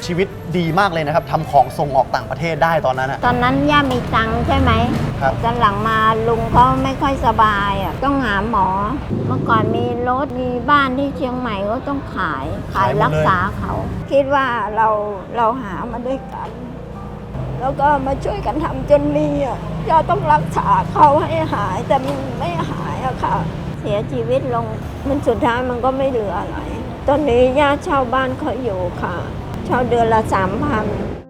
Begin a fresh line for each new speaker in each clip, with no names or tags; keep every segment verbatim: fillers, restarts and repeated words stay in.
ชีวิตดีมากเลยนะครับทำของส่งออกต่างประเทศได้ตอนนั้นอะ
ตอนนั้นย่ามีตังค์ใช่ไหม
ครับ
ตอนหลังมาลุงเขาไม่ค่อยสบายอ่ะต้องหาหมอ เมื่อก่อนมีรถมีบ้านที่เชียงใหม่ก็ต้องขายขายรักษาเขา คิดว่าเราเราหามาด้วยกัน แล้วก็มาช่วยกันทำจนมีอ่ะย่าต้องรักษาเขาให้หายแต่มันไม่หายอะค่ะ เสียชีวิตลงมันสุดท้ายมันก็ไม่เหลืออะไร ตอนนี้ย่าเช่าบ้านเขาอยู่ค่ะ เช่าเดือนละสามพัน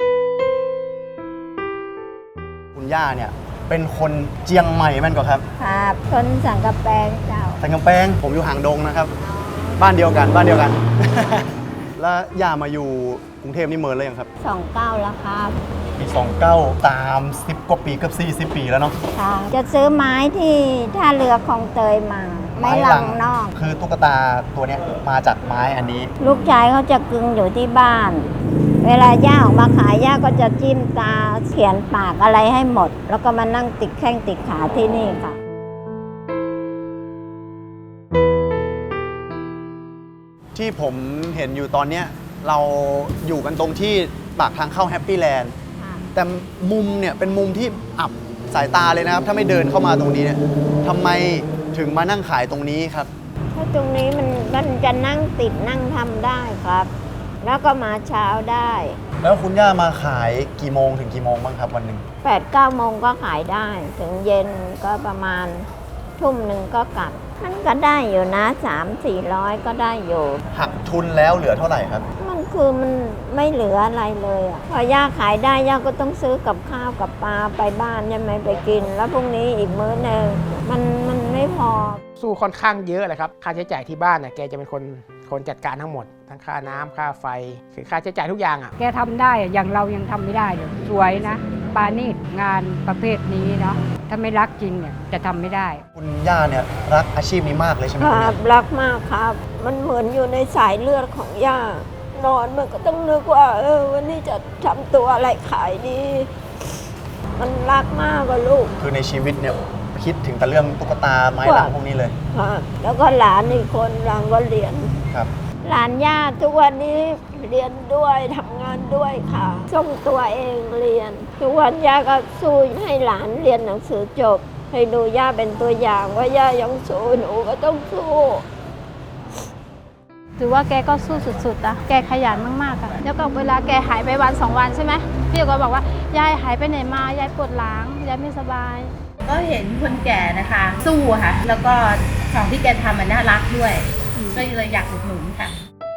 คุณย่าเนี่ยเป็นคนเจียงใหม่แม่นก่อนครับ
ครับคนสังกะแปงเจ้า
สังกำแพงผมอยู่หางดงนะครับ บ้านเดียวกันบ้านเดียวกัน แล้วย่ามาอยู่กรุงเทพนี่เมินเลยยังครับ
สองเก้าแล้วครับ
ปีสองเก้าตามสิบกว่าปีเกือบสี่สิบปีแล้วเนาะ
ค่ะจะซื้อไม้ที่ท่าเรือคลองเตยมา ไม้ลังนอก
คือตุ๊กตาตัวเนี้ยมาจากไม้อันนี้
ลูกชายเขาจะกึงอยู่ที่บ้าน เวลาย่าออกมาขายย่าก็จะจิ้มตาเขียนปากอะไรให้หมด แล้วก็มานั่งติดแข้งติดขาที่นี่ค่ะ
ที่ผมเห็นอยู่ตอนเนี้ยเราอยู่กันตรงที่ปากทางเข้าแฮปปี้แลนด์แต่มุมเนี่ยเป็นมุมที่อับสายตาเลยนะครับ ถ้าไม่เดินเข้ามาตรงนี้เนี่ยทำไมถึงมานั่งขายตรงนี้ครับ
เพราะตรงนี้มันมันจะนั่งติดนั่งทำได้ครับ แล้วก็มาเช้าได้
แล้วคุณย่ามาขายกี่โมงถึงกี่โมงบ้างครับวันหนึ่ง
แปดเก้าโมงก็ขายได้ ถึงเย็นก็ประมาณทุ่มหนึ่งก็กลับ มันก็ได้อยู่นะสามสี่ร้อยก็ได้อยู่
หักทุนแล้วเหลือเท่าไหร่ครับ
มันคือมันไม่เหลืออะไรเลยอ่ะพอย่าขายได้ย่าก็ต้องซื้อกับข้าวกับปลาไปบ้านใช่ไหมไปกิน แล้วพรุ่งนี้อีกมื้อหนึ่งมันมันไม่พอ
สู้ค่อนข้างเยอะเลยครับค่าใช้จ่ายที่บ้านเนี่ยแกจะเป็นคนคนจัดการทั้งหมดทั้งค่าน้ำค่าไฟคือค่าใช้จ่ายทุกอย่างอ่ะ
แกทำได้อะอย่างเรายังทำไม่ได้เลยสวยนะปาณีตงานประเภทนี้เนาะถ้าไม่รักจริงเนี่ยจะทำไม่ได้
คุณย่าเนี่ยรักอาชีพนี้มากเลยใช่ไหม
ค
คุณ
รั
ย่า
บรักมากครับ มันเหมือนอยู่ในสายเลือดของย่านอนมันก็ต้องนึกว่า เออวันนี้จะทำตัวอะไรขายดี มันรักมากกว่าลูก
คือในชีวิตเนี่ยคิดถึงแต่เรื่องตุ๊กตาไม้ลังพวกนี้เลย
ครับแล้วก็หลานอีกคนหลานก็เรียน
ครับ
หลานย่าทุกวันนี้เรียนด้วยทำงานด้วยค่ะส่งตัวเองเรียน ทุกวันย่าก็สู้ให้หลานเรียนหนังสือจบ ให้ดูย่าเป็นตัวอย่างว่าย่ายังสู้หนูก็ต้องสู้
ถือว่าแกก็สู้สุดๆอะแกขยันมากๆอะแล้วก็เวลาแกหายไปวันสองวันใช่ไหมพี่ก็บอกว่ายายหายไปไหนมายายปวดหลังยายไม่สบาย
ก็เห็นคนแก่นะคะ สู้ค่ะ แล้วก็ของที่แกทำมันน่ารักด้วย ก็เลยอยากอุดหนุนค่ะ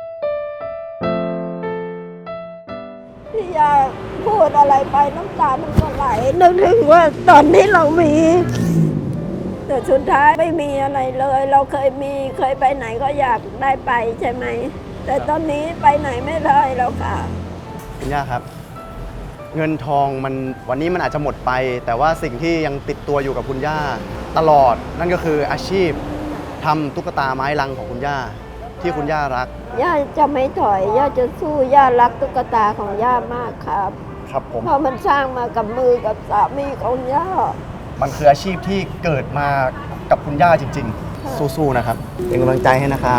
ที่ย่าพูดอะไรไปน้ำตามันก็ไหลนึกถึงว่าตอนนี้เรามี แต่สุดท้ายไม่มีอะไรเลย เราเคยมีเคยไปไหนก็อยากได้ไปใช่ไหม แต่ตอนนี้ไปไหนไม่ได้แล้วค่ะ
คุณย่าครับ เงินทองมันวันนี้มันอาจจะหมดไป แต่ว่าสิ่งที่ยังติดตัวอยู่กับคุณย่าตลอด นั่นก็คืออาชีพทำตุ๊กตาไม้ลังของคุณย่าที่คุณย่ารัก
ย่าจะไม่ถอย ย่าจะสู้ย่ารักตุ๊กตาของย่ามากครับ
ครับผม
เพราะมันสร้างมากับมือกับสามีของย่า
มันคืออาชีพที่เกิดมากับคุณย่าจริงๆ สู้ๆนะครับเป็นกำลังใจให้นะครับ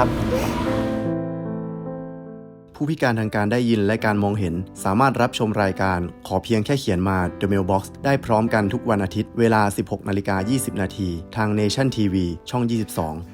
ผู้พิการทางการได้ยินและการมองเห็นสามารถรับชมรายการขอเพียงแค่เขียนมา The Mailbox ได้พร้อมกันทุกวันอาทิตย์เวลา สิบหกนาฬิกายี่สิบนาทีทาง Nation ที วี ช่อง ยี่สิบสอง